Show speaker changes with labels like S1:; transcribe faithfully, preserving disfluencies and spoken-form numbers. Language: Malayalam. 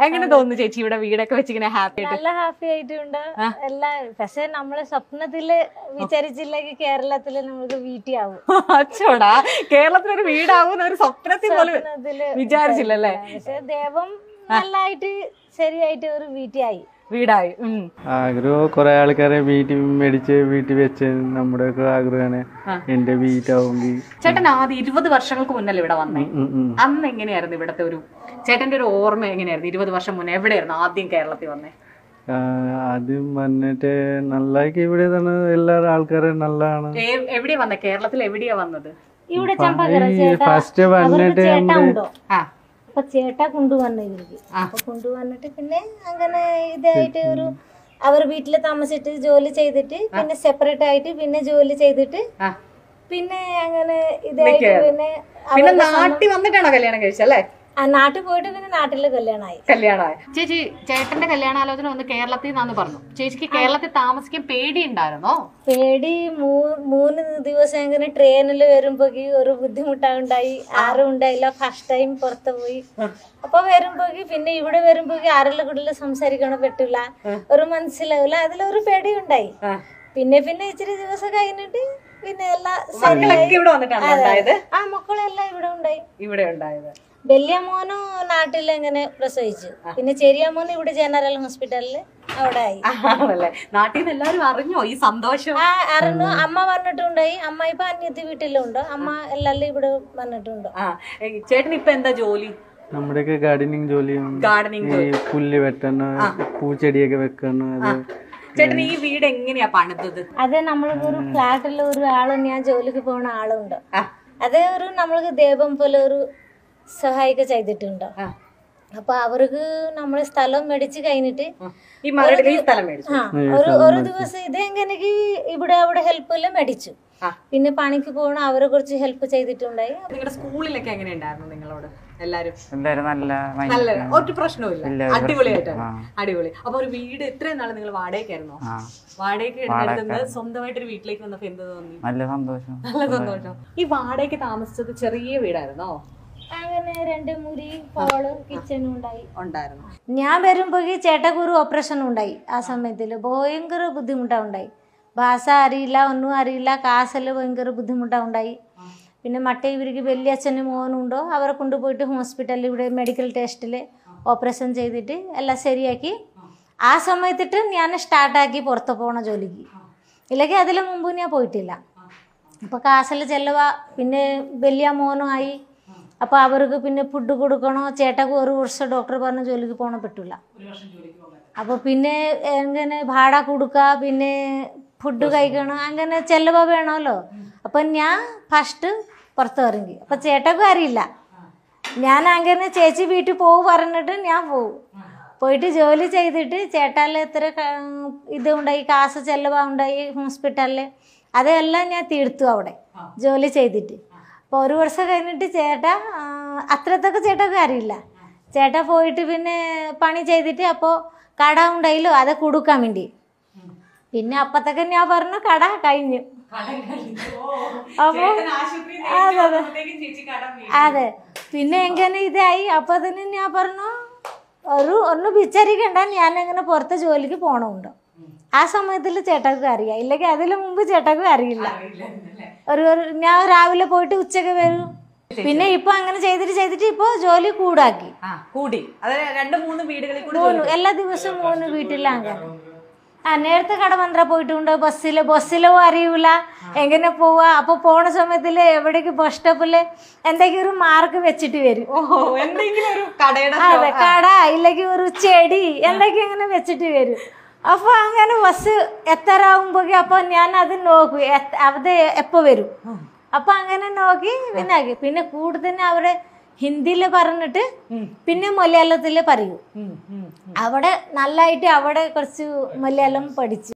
S1: എങ്ങനെ തോന്നുന്നു ചേച്ചി ഇവിടെ വീടൊക്കെ വെച്ചിങ്ങനെ ഹാപ്പി ആയിട്ട്?
S2: നല്ല ഹാപ്പി ആയിട്ടുണ്ട് എല്ലാ. പക്ഷെ നമ്മള് സ്വപ്നത്തില് വിചാരിച്ചില്ലെങ്കിൽ കേരളത്തില് നമുക്ക് വീട്ടിയാവും.
S1: അച്ചോടാ, കേരളത്തിലൊരു വീടാവും ഒരു സ്വപ്നത്തിൽ പോലും വിചാരിച്ചില്ലല്ലേ?
S2: പക്ഷെ ദൈവം നല്ലായിട്ട് ശരിയായിട്ട് ഒരു വീട്ടിയായി
S1: വീടായി.
S3: ആഗ്രഹം കുറെ ആൾക്കാരെ വീട്ടിൽ മേടിച്ച് വീട്ടിൽ വെച്ച് നമ്മുടെ ആഗ്രഹമാണ് എന്റെ വീട്ടാവുമെങ്കിൽ.
S1: ചേട്ടൻ ആദ്യം ഇരുപത് വർഷങ്ങൾക്ക് മുന്നല്ലേ ഇവിടെ വന്നേ? അന്ന് എങ്ങനെയായിരുന്നു ഇവിടത്തെ ഒരു ചേട്ടന്റെ ഒരു ഓർമ്മ എങ്ങനെയായിരുന്നു? ഇരുപത് വർഷം മുന്നേ എവിടെയായിരുന്നു ആദ്യം കേരളത്തിൽ വന്നേ?
S3: ആദ്യം വന്നിട്ട് നല്ലാക്കി ഇവിടെ തന്നെ എല്ലാ ആൾക്കാരും നല്ലതാണ്.
S1: എവിടെയാ വന്നേ? കേരളത്തിൽ എവിടെയാ വന്നത്?
S2: ഇവിടെ
S3: ഫസ്റ്റ് വന്നിട്ട്
S2: അപ്പൊ ചേട്ടാ കൊണ്ടുവന്നു ഇവർക്ക്. അപ്പൊ കൊണ്ടുവന്നിട്ട് പിന്നെ അങ്ങനെ ഇതായിട്ട് ഒരു അവർ വീട്ടില് താമസിച്ചിട്ട് ജോലി ചെയ്തിട്ട് പിന്നെ സെപ്പറേറ്റ് ആയിട്ട് പിന്നെ ജോലി ചെയ്തിട്ട് പിന്നെ അങ്ങനെ ഇതായിട്ട് പിന്നെ
S1: നാട്ടിൽ വന്നിട്ടാണോ കല്യാണം കഴിച്ചല്ലേ?
S2: ആ നാട്ടിൽ പോയിട്ട് പിന്നെ നാട്ടില് കല്യാണമായി.
S1: കല്യാണമായി. ചേച്ചി ചേട്ടന്റെ കല്യാണാലോചന ഒന്ന് കേരളത്തിൽ നിന്നാന്ന് പറഞ്ഞു. ചേച്ചിക്ക് കേരളത്തിൽ താമസിക്കാൻ പേടി ഉണ്ടായിരുന്നോ?
S2: പേടി മൂന്ന് ദിവസം ഇങ്ങനെ ട്രെയിനിൽ വരുമ്പോക്ക് ഒരു ബുദ്ധിമുട്ടുണ്ടായി. ആരും ഉണ്ടായില്ല. ഫസ്റ്റ് ടൈം പുറത്ത് പോയി. അപ്പൊ വരുമ്പോക്ക് പിന്നെ ഇവിടെ വരുമ്പോക്ക് ആരെല്ലാം കൂടുതൽ സംസാരിക്കണം പറ്റില്ല, ഒരു മനസ്സിലാവില്ല. അതിലൊരു പേടി ഉണ്ടായി. പിന്നെ പിന്നെ ഇച്ചിരി ദിവസം കഴിഞ്ഞിട്ട് പിന്നെ എല്ലാം ആ മക്കളെല്ലാം ഇവിടെ ഉണ്ടായി.
S1: ഇവിടെ ഉണ്ടായത്
S2: വലിയ മോനും നാട്ടിൽ എങ്ങനെ പ്രസവിച്ചു. പിന്നെ ചെറിയ മോൻ ഇവിടെ ജനറൽ ഹോസ്പിറ്റലില് അവിടെ ആയി.
S1: നാട്ടിൽ നിന്ന് എല്ലാരും അറിഞ്ഞോ ഈ സന്തോഷം?
S2: ആ അറിഞ്ഞു. അമ്മ വന്നിട്ടുണ്ടായി. അമ്മ ഇപ്പൊ അന്യത്തി വീട്ടിലുണ്ട്. അമ്മ എല്ലാരും ഇവിടെ വന്നിട്ടുണ്ട്.
S1: ചേട്ടൻ ഇപ്പൊ എന്താ ജോലി?
S3: നമ്മുടെയൊക്കെ ഗാർഡനിങ് ജോലിയും
S1: ഗാർഡനിങ്
S3: പുല്ല് വെട്ടണം, പൂച്ചെടിയൊക്കെ വെക്കണം.
S1: ചേട്ടൻ ഈ വീട് എങ്ങനെയാ പണിതത്?
S2: അതെ, നമ്മൾക്ക് ഒരു ഫ്ലാറ്റിൽ ഒരു ആള് ഞാൻ ജോലിക്ക് പോകുന്ന ആളുണ്ട്. അതേ ഒരു നമ്മൾക്ക് ദൈവം പോലെ ഒരു സഹായിക്ക ചെയ്തിട്ടുണ്ടോ. അപ്പൊ അവർക്ക് നമ്മള് സ്ഥലം മേടിച്ച് കഴിഞ്ഞിട്ട് ഒരു ഒരു ദിവസം ഇതെങ്ങനെ ഇവിടെ അവിടെ ഹെൽപ്പ് എല്ലാം മേടിച്ചു. പിന്നെ പണിക്ക് പോകണം അവരെ കുറിച്ച് ഹെൽപ്പ് ചെയ്തിട്ടുണ്ടായി.
S1: നിങ്ങളുടെ സ്കൂളിലൊക്കെ എങ്ങനെയുണ്ടായിരുന്നു നിങ്ങളോട് എല്ലാരും?
S3: നല്ല
S1: ഒരു പ്രശ്നവുമില്ല, അടിപൊളിയായിട്ടാണ്. അടിപൊളി. അപ്പൊ ഒരു വീട് ഇത്രയും നാളെ നിങ്ങൾ വാടകയ്ക്കായിരുന്നോ? വാടകയ്ക്ക് എടുക്കുന്നത് സ്വന്തമായിട്ടൊരു വീട്ടിലേക്ക് വന്നപ്പോ എന്ത് തോന്നി?
S3: നല്ല സന്തോഷം.
S1: നല്ല സന്തോഷം. ഈ വാടകയ്ക്ക് താമസിച്ചത് ചെറിയ വീടായിരുന്നോ?
S2: അങ്ങനെ രണ്ട് മുറി ഹോള് കിച്ചണും ഉണ്ടായി
S1: ഉണ്ടായിരുന്നു.
S2: ഞാൻ വരുമ്പോ ചേട്ടക്ക് ഒരു ഓപ്പറേഷൻ ഉണ്ടായി. ആ സമയത്തില് ഭയങ്കര ബുദ്ധിമുട്ടാ ഉണ്ടായി. ഭാഷ അറിയില്ല, ഒന്നും അറിയില്ല. കാശെല്ലാം ഭയങ്കര ബുദ്ധിമുട്ടാ ഉണ്ടായി. പിന്നെ മറ്റേ ഇവർക്ക് വലിയ അച്ഛനും മോനുണ്ടോ അവരെ കൊണ്ടുപോയിട്ട് ഹോസ്പിറ്റലിൽ ഇവിടെ മെഡിക്കൽ ടെസ്റ്റില് ഓപ്പറേഷൻ ചെയ്തിട്ട് എല്ലാം ശരിയാക്കി. ആ സമയത്തിട്ട് ഞാൻ സ്റ്റാർട്ടാക്കി പുറത്ത് പോകണ ജോലിക്ക്. ഇല്ലെങ്കിൽ അതിന് മുമ്പ് ഞാൻ പോയിട്ടില്ല. അപ്പോൾ കാശെല്ലാം ചെലവാ. പിന്നെ വലിയ മോനും ആയി. അപ്പോൾ അവർക്ക് പിന്നെ ഫുഡ് കൊടുക്കണോ. ചേട്ടക്ക് ഒരു വർഷം ഡോക്ടർ പറഞ്ഞ ജോലിക്ക് പോകണം പറ്റില്ല. അപ്പോൾ പിന്നെ എങ്ങനെ ഭാട കൊടുക്കുക, പിന്നെ ഫുഡ് കഴിക്കണം, അങ്ങനെ ചെലവ് വേണമല്ലോ. അപ്പം ഞാൻ ഫസ്റ്റ് പുറത്ത് ഇറങ്ങി. അപ്പം ചേട്ടക്കും അറിയില്ല. ഞാൻ അങ്ങനെ ചേച്ചി വീട്ടിൽ പോകും പറഞ്ഞിട്ട് ഞാൻ പോകും. പോയിട്ട് ജോലി ചെയ്തിട്ട് ചേട്ടാൽ എത്ര ഇത് ഉണ്ടായി, കാശ് ചെലവ് ഉണ്ടായി ഹോസ്പിറ്റലിൽ, അതെല്ലാം ഞാൻ തീർത്തു അവിടെ ജോലി ചെയ്തിട്ട്. അപ്പോൾ ഒരു വർഷം കഴിഞ്ഞിട്ട് ചേട്ടാ അത്രത്തൊക്കെ ചേട്ടൊക്കെ അറിയില്ല. ചേട്ടാ പോയിട്ട് പിന്നെ പണി ചെയ്തിട്ട് അപ്പോൾ കട ഉണ്ടായില്ലോ അത് കൊടുക്കാൻ വേണ്ടി. പിന്നെ അപ്പത്തൊക്കെ ഞാൻ പറഞ്ഞു കട കഴിഞ്ഞു. അപ്പോൾ അതെ അതെ അതെ പിന്നെ എങ്ങനെ ഇതായി. അപ്പോൾ തന്നെ ഞാൻ പറഞ്ഞു ഒരു ഒന്ന് വിചാരിക്കണ്ട, ഞാൻ എങ്ങനെ പുറത്ത് ജോലിക്ക് പോകണമുണ്ടോ. ആ സമയത്തിൽ ചേട്ടക്ക് അറിയാം. ഇല്ലെങ്കിൽ അതിന് മുമ്പ് ചേട്ടക്ക് അറിയില്ല. ഒരു ഞാൻ രാവിലെ പോയിട്ട് ഉച്ചക്ക് വരും. പിന്നെ ഇപ്പൊ അങ്ങനെ ചെയ്തിട്ട് ചെയ്തിട്ട് ഇപ്പൊ ജോലി കൂടാക്കി
S1: കൂടി. രണ്ട് മൂന്ന് വീടുകളിൽ
S2: എല്ലാ ദിവസവും മൂന്ന് വീട്ടിലാണ്. ആ നേരത്തെ കടമന്ത്ര പോയിട്ടുണ്ട്. ബസ്സില് ബസ്സിലോ അറിയൂല എങ്ങനെ പോവാ. അപ്പൊ പോണ സമയത്തില് എവിടേക്ക് ബസ് സ്റ്റോപ്പില് എന്തെങ്കിലും ഒരു മാർക്ക് വെച്ചിട്ട് വരും. അതെ, കട ഇല്ലെങ്കിൽ ഒരു ചെടി എന്തെങ്കിലും ഇങ്ങനെ വെച്ചിട്ട് വരും. അപ്പോൾ അങ്ങനെ ബസ് എത്തരാകുമ്പോൾ അപ്പോൾ ഞാൻ അത് നോക്കും അത് എപ്പോൾ വരും. അപ്പം അങ്ങനെ നോക്കി പിന്നെ പിന്നെ കൂടുതൽ അവിടെ ഹിന്ദിയിൽ പറഞ്ഞിട്ട് പിന്നെ മലയാളത്തിൽ പറയൂ. അവിടെ നല്ലതായിട്ട് അവിടെ കുറച്ച് മലയാളം പഠിച്ചു.